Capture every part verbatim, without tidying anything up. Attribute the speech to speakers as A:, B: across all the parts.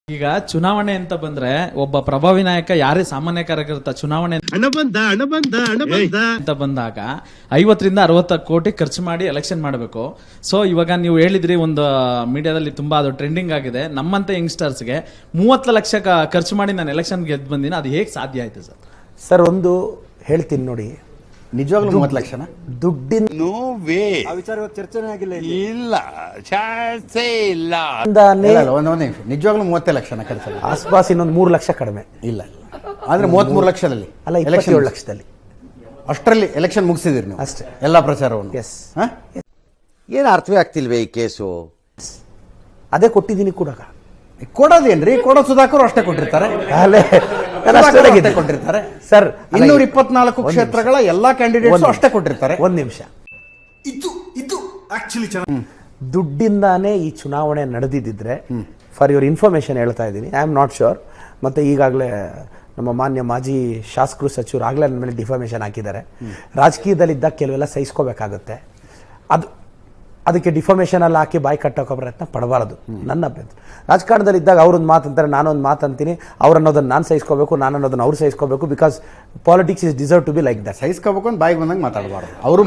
A: ಈಗ ಚುನಾವಣೆ ಅಂತ ಬಂದ್ರೆ ಒಬ್ಬ ಪ್ರಭಾವಿ ನಾಯಕ ಯಾರೇ ಸಾಮಾನ್ಯ ಕಾರ್ಯಕರ್ತ ಚುನಾವಣೆ
B: ಹಣ ಬಂದ ಹಣ ಬಂದ ಹಣ ಬಂದ
A: ಅಂತ ಬಂದಾಗ ಐವತ್ತರಿಂದ ಅರವತ್ತು ಕೋಟಿ ಖರ್ಚು ಮಾಡಿ ಎಲೆಕ್ಷನ್ ಮಾಡಬೇಕು. ಸೊ ಇವಾಗ ನೀವು ಹೇಳಿದ್ರಿ ಒಂದು ಮೀಡಿಯಾದಲ್ಲಿ ತುಂಬಾ ಅದು ಟ್ರೆಂಡಿಂಗ್ ಆಗಿದೆ. ನಮ್ಮಂತ ಯಂಗ್ಸ್ಟರ್ಸ್ಗೆ ಮೂವತ್ತು ಲಕ್ಷ ಖರ್ಚು ಮಾಡಿ ನಾನು ಎಲೆಕ್ಷನ್ ಗೆದ್ದು ಬಂದಿನ, ಅದು ಹೇಗೆ ಸಾಧ್ಯ ಆಯ್ತು ಸರ್?
C: ಸರ್ ಒಂದು ಹೇಳ್ತೀನಿ ನೋಡಿ,
D: ನಿಜವಾಗ್ಲೂ ಮೂವತ್ತು ಲಕ್ಷನ
C: ದುಡ್ಡಿನ
B: ನೋ ವೇ
E: ಆ ವಿಚಾರ ಚರ್ಚೆನೇ ಆಗಿಲ್ಲ ಇಲ್ಲಿ.
B: ಇಲ್ಲ ಚಾನ್ಸೇ ಇಲ್ಲ.
D: ಒಂದು ಒಂದು ನಿಮಿಷ, ನಿಜವಾಗ್ಲೂ ಮೂವತ್ತೇ ಲಕ್ಷನ ಖರ್ಚಲ್ಲ.
C: ಆಸ್ಪಾಸ್ ಇನ್ನೊಂದು ಮೂರು ಲಕ್ಷ ಕಡಿಮೆ
D: ಇಲ್ಲ ಆದ್ರೆ ಮೂವತ್ಮೂರು ಲಕ್ಷದಲ್ಲಿ
C: ಅಲ್ಲ, ಇಪ್ಪತ್ತೇಳು ಲಕ್ಷದಲ್ಲಿ
D: ಅಷ್ಟರಲ್ಲಿ ಎಲೆಕ್ಷನ್ ಮುಗಿಸಿದಿರಿ ನೀವು
C: ಅಷ್ಟೇ,
D: ಎಲ್ಲಾ ಪ್ರಚಾರವನ್ನು.
C: ಎಸ್
F: ಏನು ಅರ್ಥವೇ ಆಗ್ತಿಲ್ವೇ ಈ ಕೇಸು?
C: ಅದೇ ಕೊಟ್ಟಿದ್ದೀನಿ ಕೂಡ.
D: ಕೊಡೋದೇನ್ರಿ? ಕೊಡೋ ಸುಧಾಕರ್ ಅಷ್ಟೇ ಕೊಟ್ಟಿರ್ತಾರೆ,
C: ಅಲ್ಲೇ ನಾನು ಅಷ್ಟೇ
D: ಸುಧಾಕರ್
C: ಆಗಿದ್ದೆ.
D: ಅಷ್ಟೇ ಕೊಟ್ಟಿರ್ತಾರೆ
C: ಸರ್
D: ಇನ್ನೂರ ಇಪ್ಪತ್ನಾಲ್ಕು ಕ್ಷೇತ್ರಗಳ ಎಲ್ಲಾ ಕ್ಯಾಂಡಿಡೇಟ್ಸ್ ಅಷ್ಟೇ ಕೊಟ್ಟಿರ್ತಾರೆ.
C: ಒಂದ್ ನಿಮಿಷ,
B: ಇದು ಇದು ಆಕ್ಚುಲಿ ಚೆನ್ನಾಗಿ
C: ದುಡ್ಡಿಂದಾನೇ ಈ ಚುನಾವಣೆ ನಡೆದಿದ್ದಿದ್ರೆ, ಫಾರ್ ಯುವರ್ ಇನ್ಫಾರ್ಮೇಶನ್ ಹೇಳ್ತಾ ಇದ್ದೀನಿ, ಐ ಆಮ್ ನಾಟ್ ಶೋರ್. ಮತ್ತೆ ಈಗಾಗಲೇ ನಮ್ಮ ಮಾನ್ಯ ಮಾಜಿ ಶಾಸಕರು ಸಚಿವರು ಆಗಲೇ ನನ್ನ ಮೇಲೆ ಡಿಫಾಮೇಶನ್ ಹಾಕಿದ್ದಾರೆ. ರಾಜಕೀಯದಲ್ಲಿದ್ದಾಗ ಕೆಲವೆಲ್ಲ ಸಹಿಸ್ಕೋಬೇಕಾಗುತ್ತೆ. ಅದು ಅದಕ್ಕೆ ಡಿಫಾಮೇಶನ್ ಎಲ್ಲ ಹಾಕಿ ಬಾಯಿ ಕಟ್ಟೋಕೋ ಪ್ರಯತ್ನ ಪಡಬಾರದು. ನನ್ನ ಅಭ್ಯಂತರ. ರಾಜಕಾರಣದಲ್ಲಿ ಇದ್ದಾಗ ಅವ್ರೊಂದು ಮಾತಂತಾರೆ, ನಾನೊಂದು ಮಾತಂತೀನಿ, ಅವ್ರು ಅನ್ನೋದನ್ನ ನಾನು ಸಹಿಸ್ಕೋಬೇಕು, ನಾನು ಅನ್ನೋದನ್ನ ಅವ್ರು ಸಹಿಸ್ಕೋಬೇಕು. Because politics is deserve to be like that.
D: ಸಹಿಸ್ಕೋಬೇಕು ಅಂತ ಬಾಯಿಗೆ ಬಂದಂಗೆ ಮಾತಾಡಬಾರ್ದು, ಅವರು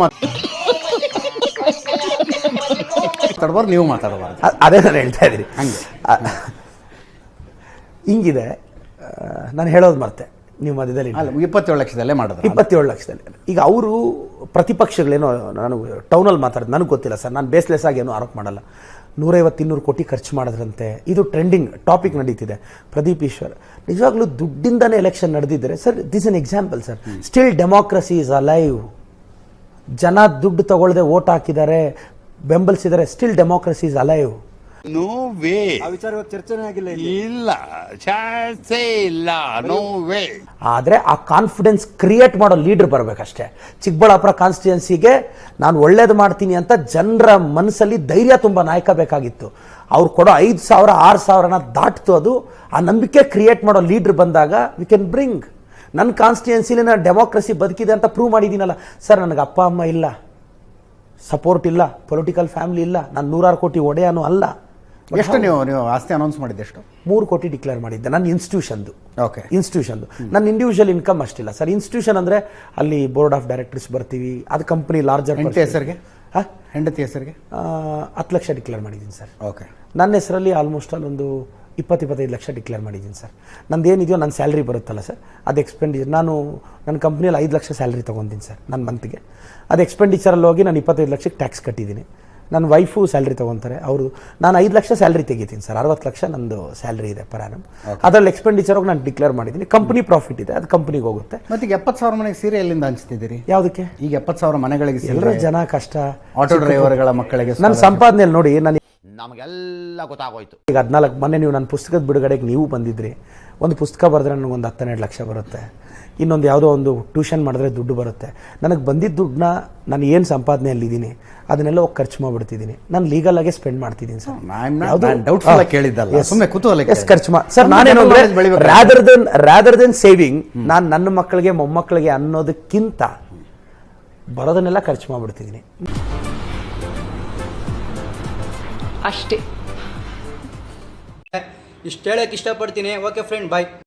D: ಮಾತಾಡಬಾರ್ದು, ನೀವು ಮಾತಾಡಬಾರ್ದು.
C: ಅದೇ ನಾನು ಹೇಳ್ತಾ ಇದ್ದೀನಿ.
D: ಹಂಗೆ
C: ಹಿಂಗಿದೆ. ನಾನು ಹೇಳೋದು ಮತ್ತೆ ನೀವು ಮಧ್ಯದಲ್ಲಿ
D: ಅಲ್ಲ, ಇಪ್ಪತ್ತೇಳು ಲಕ್ಷದಲ್ಲೇ ಮಾಡೋದು.
C: ಇಪ್ಪತ್ತೇಳು ಲಕ್ಷದಲ್ಲಿ ಈಗ ಅವರು ಪ್ರತಿಪಕ್ಷಗಳೇನೋ, ನಾನು ಟೌನಲ್ಲಿ ಮಾತಾಡೋದು ನನಗೆ ಗೊತ್ತಿಲ್ಲ ಸರ್, ನಾನು ಬೇಸ್ಲೆಸ್ ಆಗಿ ಏನೂ ಆರೋಪ ಮಾಡಲ್ಲ. ನೂರೈವತ್ತು ಇನ್ನೂರು ಕೋಟಿ ಖರ್ಚು ಮಾಡಿದ್ರಂತೆ, ಇದು ಟ್ರೆಂಡಿಂಗ್ ಟಾಪಿಕ್ ನಡೀತಿದೆ. ಪ್ರದೀಪ್ ಈಶ್ವರ್ ನಿಜವಾಗ್ಲೂ ದುಡ್ಡಿಂದನೇ ಎಲೆಕ್ಷನ್ ನಡೆದಿದ್ದರೆ sir, this an example sir. Still democracy is alive. ಜನ ದುಡ್ಡು ತಗೊಳ್ಳದೆ ವೋಟ್ ಹಾಕಿದ್ದಾರೆ, ಬೆಂಬಲಿಸಿದ್ದಾರೆ. Still democracy is alive.
B: No way
E: ಆ ವಿಚಾರ ಚರ್ಚೆನೇ ಆಗಿಲ್ಲ ಇಲ್ಲಿ.
B: ಇಲ್ಲ ಚಾನ್ಸೇ ಇಲ್ಲ. No way.
C: ಆದರೆ ಆ ಕಾನ್ಫಿಡೆನ್ಸ್ ಕ್ರಿಯೇಟ್ ಮಾಡೋ ಲೀಡರ್ ಬರಬೇಕಷ್ಟೇ. ಚಿಕ್ಕಬಳ್ಳಾಪುರ ಕಾನ್ಸ್ಟಿಟ್ಯೂನ್ಸಿಗೆ ನಾನು ಒಳ್ಳೇದು ಮಾಡ್ತೀನಿ ಅಂತ ಜನರ ಮನಸ್ಸಲ್ಲಿ ಧೈರ್ಯ ತುಂಬ ನಾಯಕ ಬೇಕಾಗಿತ್ತು. ಅವ್ರು ಕೊಡೋ ಐದು ಸಾವಿರ ಆರು ಸಾವಿರನ ದಾಟ್ತು. ಅದು ಆ ನಂಬಿಕೆ ಕ್ರಿಯೇಟ್ ಮಾಡೋ ಲೀಡರ್ ಬಂದಾಗ ವಿ ಕ್ಯಾನ್ ಬ್ರಿಂಗ್. ನನ್ನ ಕಾನ್ಸ್ಟಿಟ್ಯೂನ್ಸಿಲಿ ನಾನು ಡೆಮೋಕ್ರಸಿ ಬದುಕಿದೆ ಅಂತ ಪ್ರೂವ್ ಮಾಡಿದ್ದೀನಲ್ಲ ಸರ್. ನನಗೆ ಅಪ್ಪ ಅಮ್ಮ ಇಲ್ಲ, ಸಪೋರ್ಟ್ ಇಲ್ಲ, ಪೊಲಿಟಿಕಲ್ ಫ್ಯಾಮಿಲಿ ಇಲ್ಲ, ನಾನು ನೂರಾರು ಕೋಟಿ ಒಡೆಯನೂ ಅಲ್ಲ.
D: ಎಷ್ಟು ನೀವು ನೀವು ಆಸ್ತಿ ಅನೌನ್ಸ್ ಮಾಡಿದ್ದು ಎಷ್ಟು?
C: ಮೂರು ಕೋಟಿ ಡಿಕ್ಲೇರ್ ಮಾಡಿದ್ದೆ ನನ್ನ ಇನ್ಸ್ಟಿಟ್ಯೂಷನ್ದು.
D: ಓಕೆ,
C: ಇನ್ಸ್ಟಿಟ್ಯೂಷನ್ದು. ನನ್ನ ಇಂಡಿವಿಜುವಲ್ ಇನ್ಕಮ್ ಅಷ್ಟಿಲ್ಲ ಸರ್. ಇನ್ಸ್ಟಿಟ್ಯೂಷನ್ ಅಂದರೆ ಅಲ್ಲಿ ಬೋರ್ಡ್ ಆಫ್ ಡೈರೆಕ್ಟರ್ಸ್ ಬರ್ತೀವಿ, ಅದು ಕಂಪ್ನಿ ಲಾರ್ಜರ್.
D: ಹೆಂಡತಿ ಹೆಸರಿಗೆ? ಹೆಂಡತಿ ಹೆಸರಿಗೆ
C: ಹತ್ತು ಲಕ್ಷ ಡಿಕ್ಲೇರ್ ಮಾಡಿದ್ದೀನಿ ಸರ್.
D: ಓಕೆ,
C: ನನ್ನ ಹೆಸರಲ್ಲಿ ಆಲ್ಮೋಸ್ಟ್ ಅಲ್ಲೊಂದು ಇಪ್ಪತ್ತು ಇಪ್ಪತ್ತೈದು ಲಕ್ಷ ಡಿಕ್ಲೇರ್ ಮಾಡಿದ್ದೀನಿ ಸರ್. ನಂದು ಏನಿದೆಯೋ ನನ್ನ ಸ್ಯಾಲ್ರಿ ಬರುತ್ತಲ್ಲ ಸರ್, ಅದು ಎಕ್ಸ್ಪೆಂಡಿಚರ್. ನಾನು ನನ್ನ ಕಂಪ್ನಿಯಲ್ಲಿ ಐದು ಲಕ್ಷ ಸ್ಯಾಲ್ರಿ ತೊಗೊತೀನಿ ಸರ್ ನನ್ನ ಮಂತ್ಗೆ. ಅದು ಎಕ್ಸ್ಪೆಂಡಿಚರಲ್ಲಿ ಹೋಗಿ ನಾನು ಇಪ್ಪತ್ತೈದು ಲಕ್ಷಕ್ಕೆ ಟ್ಯಾಕ್ಸ್ ಕಟ್ಟಿದ್ದೀನಿ. ನನ್ನ ವೈಫು ಸ್ಯಾಲ್ರಿ ತೊಗೊತಾರೆ, ಅವರು. ನಾನು ಐದು ಲಕ್ಷ ಸ್ಯಾಲ್ರಿ ತೆಗಿತೀನಿ ಸರ್. ಅರವತ್ತು ಲಕ್ಷ ನಂದು ಸ್ಯಾಲ್ರಿ ಇದೆ ಪರ್ ಆ್ಯನಮ್. ಅದರಲ್ಲಿ ಎಕ್ಸ್ಪೆಂಡಿಚರ್ ಹೋಗಿ ನಾನು ಡಿಕ್ಲೇರ್ ಮಾಡಿದ್ದೀನಿ. ಕಂಪ್ನಿ ಪ್ರಾಫಿಟ್ ಇದೆ, ಅದು ಕಂಪ್ನಿಗೆ ಹೋಗುತ್ತೆ.
D: ಮತ್ತೆ ಈಗ ಎಪ್ಪತ್ತು ಸಾವಿರ ಮನೆಗೆ ಸೀರೆ ಎಲ್ಲಿಂದ ಹಂಚ್ತಿದ್ದೀರಿ?
C: ಯಾವುದಕ್ಕೆ?
D: ಈಗ ಎಪ್ಪತ್ತು ಸಾವಿರ ಮನೆಗಳಿಗೆ
C: ಎಲ್ಲರೂ ಜನ ಕಷ್ಟ,
D: ಆಟೋ ಡ್ರೈವರ್ಗಳ ಮಕ್ಕಳಿಗೆ
C: ನನ್ನ ಸಂಪಾದನೆಯಲ್ಲಿ ನೋಡಿ. ನಾನು
F: ನಮಗೆಲ್ಲ ಗೊತ್ತಾಗೋಯ್ತು.
C: ಈಗ ಹದಿನಾಲ್ಕು ಮೊನ್ನೆ ನೀವು ನನ್ನ ಪುಸ್ತಕದ ಬಿಡುಗಡೆಗೆ ನೀವು ಬಂದಿದ್ರಿ. ಒಂದು ಪುಸ್ತಕ ಬರೆದ್ರೆ ನನಗೊಂದು ಹತ್ತೆರಡು ಲಕ್ಷ ಬರುತ್ತೆ. ಇನ್ನೊಂದು ಯಾವುದೋ ಒಂದು ಟ್ಯೂಷನ್ ಮಾಡಿದ್ರೆ ದುಡ್ಡು ಬರುತ್ತೆ. ನನಗೆ ಬಂದಿದ್ದ ದುಡ್ಡನ್ನ ನಾನು ಏನು ಸಂಪಾದನೆಯಲ್ಲಿದ್ದೀನಿ ಅದನ್ನೆಲ್ಲ ಹೋಗಿ ಖರ್ಚು ಮಾಡಿಬಿಡ್ತಿದ್ದೀನಿ. ನಾನು ಲೀಗಲ್ ಆಗೇ ಸ್ಪೆಂಡ್ ಮಾಡ್ತಿದ್ದೀನಿ ಸರ್.
D: ಕೇಳಿದ್ದಲ್ಲ, ಸುಮ್ಮನೆ ಕುತೂಹಲ
C: ಖರ್ಚು ಮಾ ಸರ್. ನಾನೇನು rather than rather than saving, ನಾನು ನನ್ನ ಮಕ್ಕಳಿಗೆ ಮೊಮ್ಮಕ್ಕಳಿಗೆ ಅನ್ನೋದಕ್ಕಿಂತ ಬರೋದನ್ನೆಲ್ಲ ಖರ್ಚು ಮಾಡಿಬಿಡ್ತಿದ್ದೀನಿ
E: ಅಷ್ಟೇ.
G: ಇಷ್ಟು ಹೇಳಕ್ಕೆ ಇಷ್ಟಪಡ್ತೀನಿ. ಓಕೆ ಫ್ರೆಂಡ್, ಬಾಯ್.